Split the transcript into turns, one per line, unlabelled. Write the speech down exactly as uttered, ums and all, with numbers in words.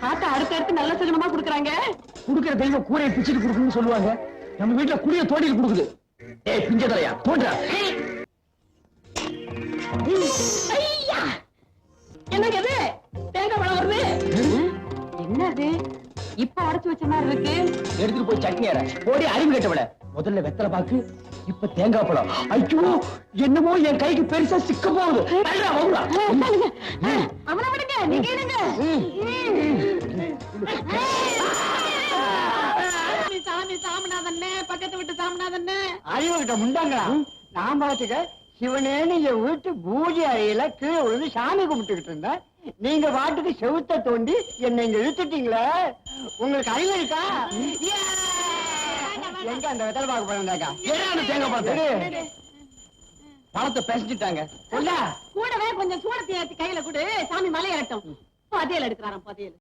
ஆட்டை அடுத்து அடுத்து நல்ல சகுனமா குடுக்குறாங்க.
குடுக்கிற தெய்வம் கூரையை பிச்சுட்டு கொடுக்குன்னு சொல்லுவாங்க. நம்ம வீட்டுல குடிய தோண்டிட்டு கொடுக்குது. ஏய் பிஞ்ச தலையா தோன்றா.
என்னங்க இது தேங்காய் பழம் வருது? என்னது இப்ப அடைச்சு வச்ச மாதிரி இருக்கு?
எடுத்துட்டு போய் சட்னி அரை. ஓடி அறிவு கேட்டவள. முதல்ல வெத்தலை பாக்கு, இப்ப தேங்காய் பழம். ஐயோ என்னமோ என் கைக்கு பெருசா சிக்க போகுது.
அவனை விடுங்க, நீங்க இருங்க. சாமி சாமிநாதண்ணே, பக்கத்து விட்டு சாமிநாதண்ணே.
அறிவு கிட்ட முண்டாங்களா? நான் பாத்துக்க சிவனேன்னு என் வீட்டு பூஜை அறையில கீழே விழுந்து சாமி கும்பிட்டுக்கிட்டு இருந்தேன். நீங்க பாட்டுக்கு செவுத்த தோண்டி என்னை இங்க இழுத்துட்டீங்களே. உங்களுக்கு அறிவு இருக்கா? எங்க அந்த வெத்தலை பாக்க போறாங்க?
தேங்காய் பழத்தை பழத்தை பேசிட்டாங்க.
கூடவே கொஞ்சம் சூடத்தை ஏத்தி கையில கொடு, சாமி மலையாட்டம். பதியல் எடுக்கிறாராம் பதியல்.